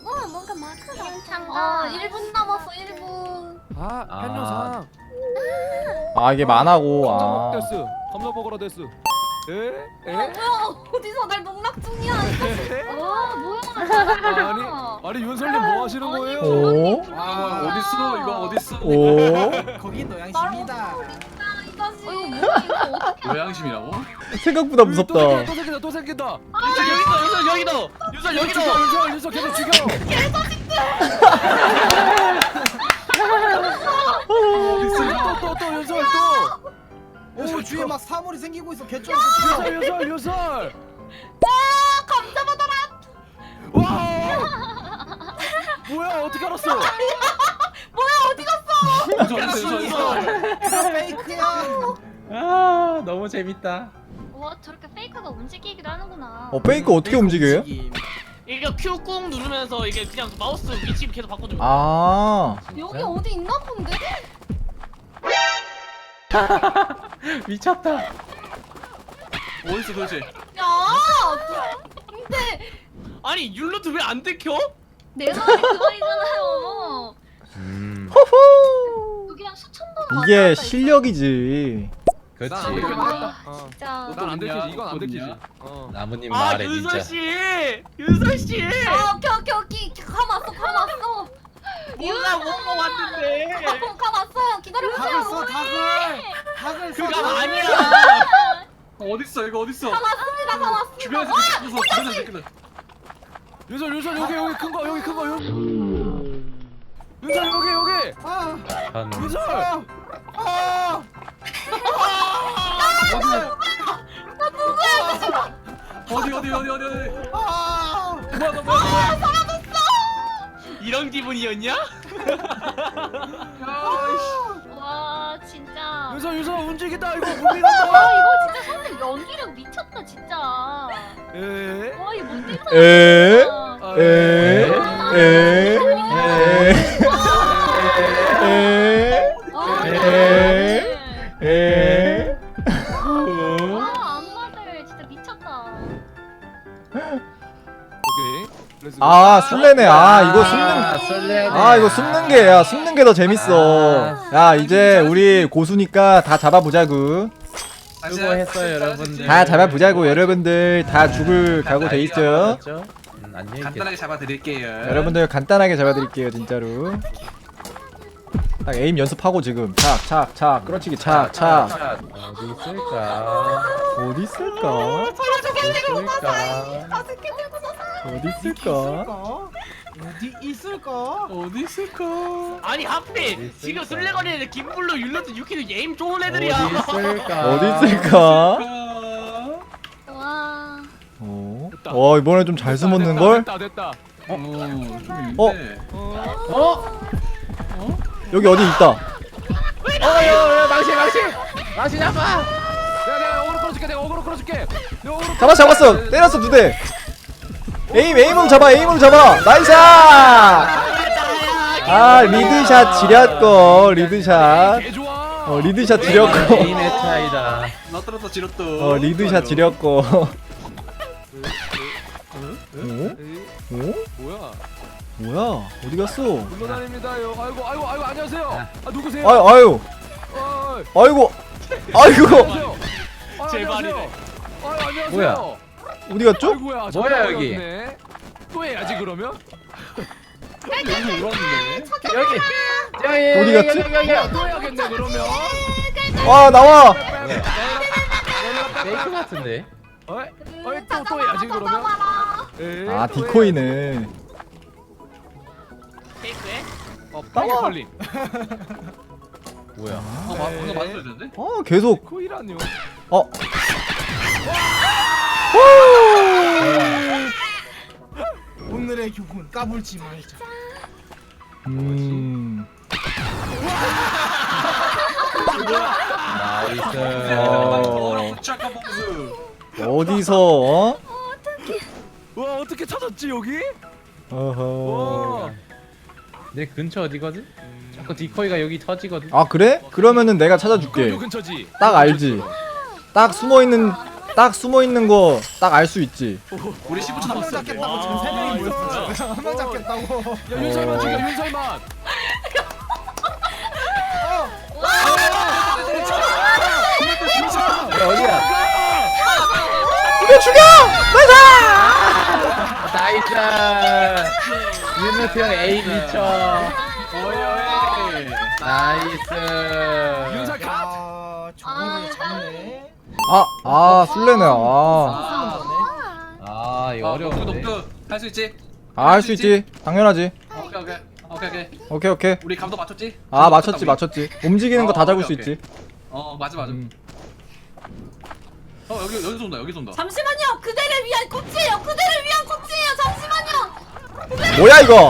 뭔가 마크가. 괜찮아. 1분 남았어 1분. 아 한효상 아 이게 만화고. 감자 아. 데스 감자 먹어라 데스. 에? 뭐야 어디서 날 농락 중이야. 와 뭐야. 아니 윤설님 뭐 하시는 거예요? 오. 아 어딨어 이거 어딨어? 오. 거긴 노양심이다. 이거 뭐야 이거 어떻게. 노양심이라고? 생각보다 무섭다. 또 생긴다 또 생긴다. 여기도 죽여 윤설 계속 죽여. 또 윤설 또. 오 주위에 막 사물이 생기고 있어 개쩔. 윤설. 감자 받아라. 와. 뭐야 어떻게 알았어? 뭐야 어디 갔어. 페이크야. 아 너무 재밌다. 와 저렇게 페이크가 움직이기도 하는구나. 페이크 어떻게 움직여요? 이게 Q 꾹 누르면서 이게 그냥 마우스 위치 계속 바꿔주면 아. 여기 어디 있나 본데? 미쳤다. 어딨어 도대체? 야 근데 아니 율로트 왜 안 들켜? 내 말이 그 말이잖아요. 호호. 여기 한 수천 번 이게 왔다 갔다 실력이지. 그렇지. 있어. 아 진짜. 난안 들키지. 이건 안 들키지. 나무님 아 말해 윤설 진짜. 씨, 윤설 씨. 오케이 가봤어. 뭔가 왔는데. 가봤어요. 기다려보세요. 닭을 써 닭을. 그거 아니야. 어딨어 이거 어딨어? 가봤습니다. 주변에서 느껴서 주변에서 느껴서. 윤설 여기 큰 거 여기. 윤설 여기. 한 윤설. 어디. 이런 기분이었냐? 와 진짜. 윤설 움직인다 이거 와 무빙한다. 이거 진짜 선생 연기력 미쳤다 진짜. 에? 와 이거 못 뛰는 에? 에? 에? 에? 와 안마들 진짜 미쳤다. 오케이. 아 술래네. 아 이거 숨는 게 더 재밌어. 야 이제 우리 고수니까 다 잡아보자구. 수고했어요 여러분들. 다 잡아보자고. 여러분들 다 죽을 각오 돼 있죠? 안녕히 간단하게 잡아드릴게요. 여러분들 간단하게 잡아드릴게요 진짜로. 딱 에임 연습하고 지금 착 끌어치기 착. 어디 있을까? 어디 있을까? 어디 있을까? 어디 있을까? 아니 하필 지금 술래거리는 김블루, 율로트, 유키는 에임 좋은 애들이야. 어디 있을까? 어디 있을까? 와. 이번에 좀 잘 숨었는 걸? 됐다. 좀 어? 있네. 여기 어디 있다. 망치 잡아. 내가 어그로 끌어줄게. 잡았어. 때렸어 2대. 에임으로 잡아. 나이스. 아 리드샷 지렸고. 리드샷 개 좋아. 리드샷 지렸고. 에임의 차이다. 너떨어서 지렸도. 리드샷 지렸고. 오? 뭐야? 어디 갔어? 물러다닙니다요. 아이고 안녕하세요. 아 누구세요? 아유. 아이고. 안녕하세요. 제발이네. 안녕하세요. 뭐야? 어디 갔죠? 아이고야. 뭐야, 여기? 또 해야지 그러면? 여기. 어디 갔지? 또 해야겠네 그러면. 아 나와. 페이크 같은데. 또 해야지 그러면. 아 디코이네. 페이크해? 빨리 걸림. 뭐야? 방금 맞았어야 되는데? 계속. 디코이라뇨. 오늘의 교훈 까불지 말자. 나이스. 착한 봉수. 어디서? 와 어떻게 찾았지 여기? 어허. 와. 내 근처 어디거든? 자꾸 디코이가 여기 터지거든. 아 그래? 그러면은 내가 찾아줄게. 요 근처지. 딱 알지. 딱 숨어 있는 딱 숨어 있는 거 딱 알 수 있지. 우리 15초 한 명 남았어. 잡겠다고 지금 와, 3명이 이거 모였어. 지금 한명 잡겠다고. 야 윤설만 죽여 윤설만. 어디야? 죽여! 나이스. 윤호트 형 A 미쳐. 나이스. 윤설 컷. 아, 저거를 잡네. 술래네. 아 이거 어려운데. 할수 있지? 할 수 있지. 당연하지. 오케이. 오케이. 우리 감도 맞췄지? 맞췄지. 움직이는 거 다 잡을 수 오케이, 있지. 맞아. 여기서 온다. 잠시만요. 그대를 위한 꽃이에요. 그대를 위한 꽃이에요. 잠시만요. 뭐야 이거?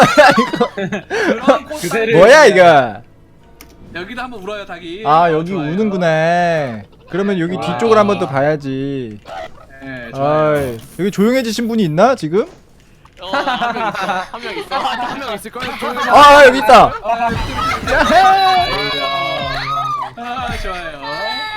그대를 뭐야 이거? 여기도 한번 울어요, 닭이. 여기 우는구나. 그러면 여기 와. 뒤쪽을 한번 더 봐야지. 네, 좋아요. 아이, 여기 조용해지신 분이 있나 지금? 한명 있어. 한 명 있을 거야. 여기 있다. 좋아요.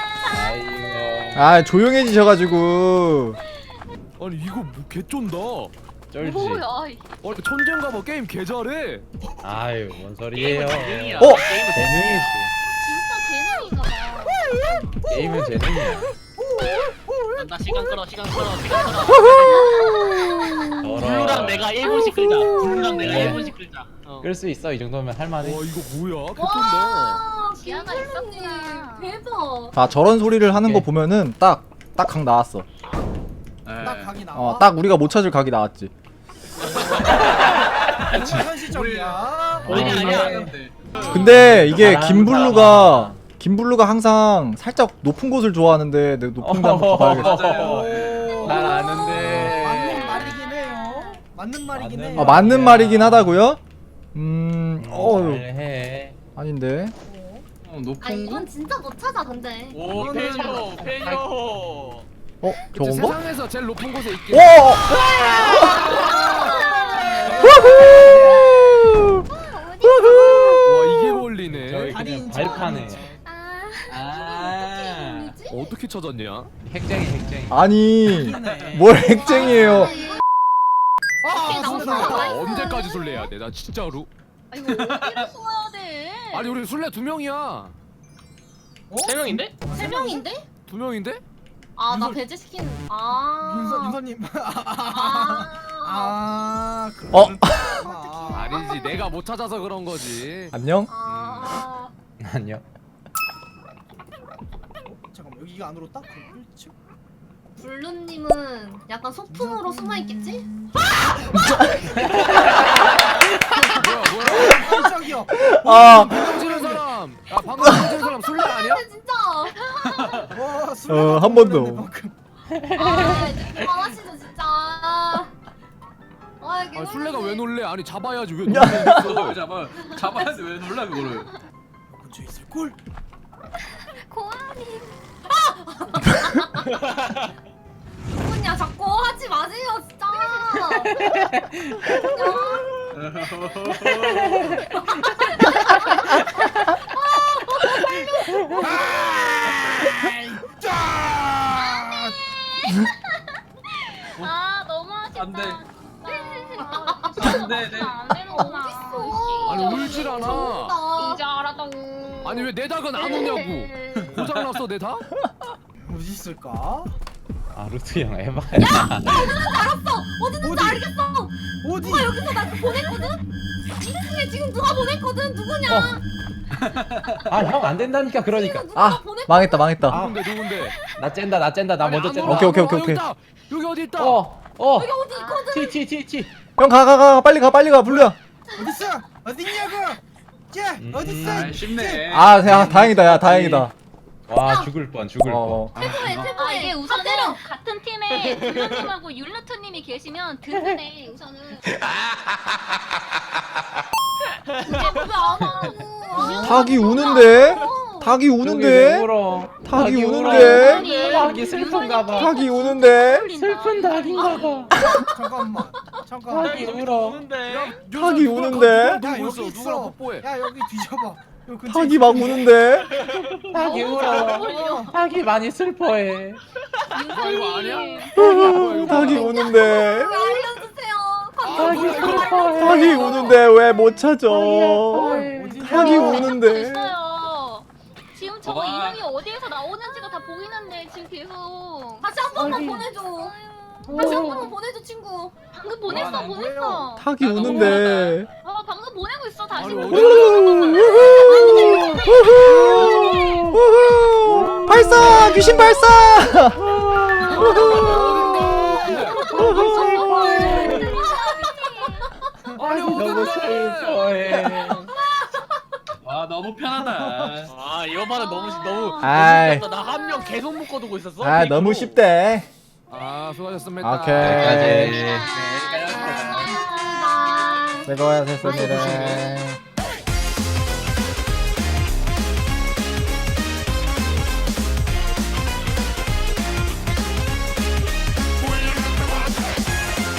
아이고. 조용해지셔가지고. 아니 이거 뭐 개쩐다. 쩔지. 뭐야? 천재인가 봐. 게임 개 잘해. 아유 뭔 소리예요? 재능이야. 어? 재능이지. 진짜 재능인가 봐. 게임은 재능이야. 나 시간 끌어. 더러. 블루랑 내가 1분씩 끌자. 블루랑 내가 1분씩 끌자. 끌수 있어 이 정도면 할만해. 와 이거 뭐야? 개쩐다. 와, 기아가 있었구나. 대박. 자 저런 소리를 하는 거 오케이. 보면은 딱 각 나왔어. 딱 각이 나와. 딱 우리가 못 찾을 각이 나왔지. 현실적이야. 본인이 아니야. 근데 이게 잘하는 김블루가 항상 살짝 높은 곳을 좋아하는데 내가 높은 데 한번 가봐야겠어. 맞아요. 난 아는데. 맞는 말이긴 해요. 맞는 말이긴 해요. 맞는 말이긴 하다고요? 해. 아닌데. 높은 이건 진짜 못 찾아 근데. 오, 페뇨. 그치, 저건가? 세상에서 제일 높은 곳에 있긴. 오! 와 이게 걸리네. 저기 그냥 발판에. 아. 어떻게 찾았냐? 핵쟁이. 아니 뭘 핵쟁이에요. 언제까지 술래해야 돼? 나 진짜로. 이거 어디로 숨어야 돼? 아니 우리 술래 2명이야. 3명인데? 3명인데? 2명인데? 아, 나 배제시킨. 아. 윤서님. 어? 아니지 내가 못 찾아서 그런 거지. 안녕? 아. 안녕. 잠깐만 여기가 안으로 딱 걸릴지? 블루님은 약간 소품으로 숨어 있겠지? 뭐야? 깜짝이야. 방금 지는 사람. 방금 지는 사람 술래 아니야? 근데 진짜. 와, 한 번 더. 아, 이제 그만하시죠 진짜. 아, 이게 술래가 왜 놀래? 아니 잡아야지 왜 야. 놀래? 잡아야지 왜 놀라 그거를. 근처에 있을 걸. 고아님. 누구냐 자꾸 하지 마세요 진짜. 아 너무 아쉽다. 안 돼. 안 되는구나. 아니 울질 않아. 이제 알았다고. 아니 왜 내 닭은 안 오냐고. 고장 났어 내 닭? 어디 있을까? 루트 형 해봐. 어디든지 알겠어. 어디? 누가 여기서 나 보냈거든? 2층에 지금 누가 보냈거든? 누구냐? 형 안 된다니까 그러니까. 누가 보냈? 망했다. 누군데? 나 쨘다. 나 아니, 먼저 안 쨘다. 올라, 오케이, 안 올라. 오케이. 여기 있다. 여기 어디 있다? 여기 어디 있거든? T. 형 가 빨리 가 블루야. 어디 있어? 어디 있냐고? 쟤 어디 있어? 아, 쉽네. 야 다행이다. 야 다행이다. 와 죽을 뻔. 태포해 아 태포해. 이게 우선은 같은 팀에 블루님하고 율루트님이 계시면 든든해 우선은. 왜안 하고? 닭이 우는데? 닭이 우는데? 울어. 닭이 우는데? 아니, 닭이 슬픈가 봐. 닭이 우는데? 슬픈 닭인가 봐. 잠깐만. 닭이 울어. 야, 닭이 우는데? 누구 야 있어? 여기 누구랑 있어. 뽀뽀해? 야 여기 뒤져봐. 닭이 막 우는데. 닭이 울어. 닭이 많이 슬퍼해. 이거 아니야? 닭이 우는데. 알려주세요. 닭이 슬퍼해. 닭이 우는데 왜 못 찾아? 슬퍼해. 닭이 우는데. 있어요. 지금 저거 와. 이름이 어디에서 나오는지가 다 보이는데 지금 계속 다시 한 번만 보내줘. 다시 한 번만 보내줘 친구. 방금 보냈어 안 보냈어. 닭이 우는데. 방금 보내고 있어 다시. 아니, 보내. 우후! 발사! 귀신 발사! 아니 너무 슬퍼해. 와 너무 편하다. 아 이거 봐라 너무 아이. 나한 명 계속 묶어두고 있었어. 아, 너무 쉽대. 아 수고하셨습니다. 오케이. 네, 수고하셨습니다.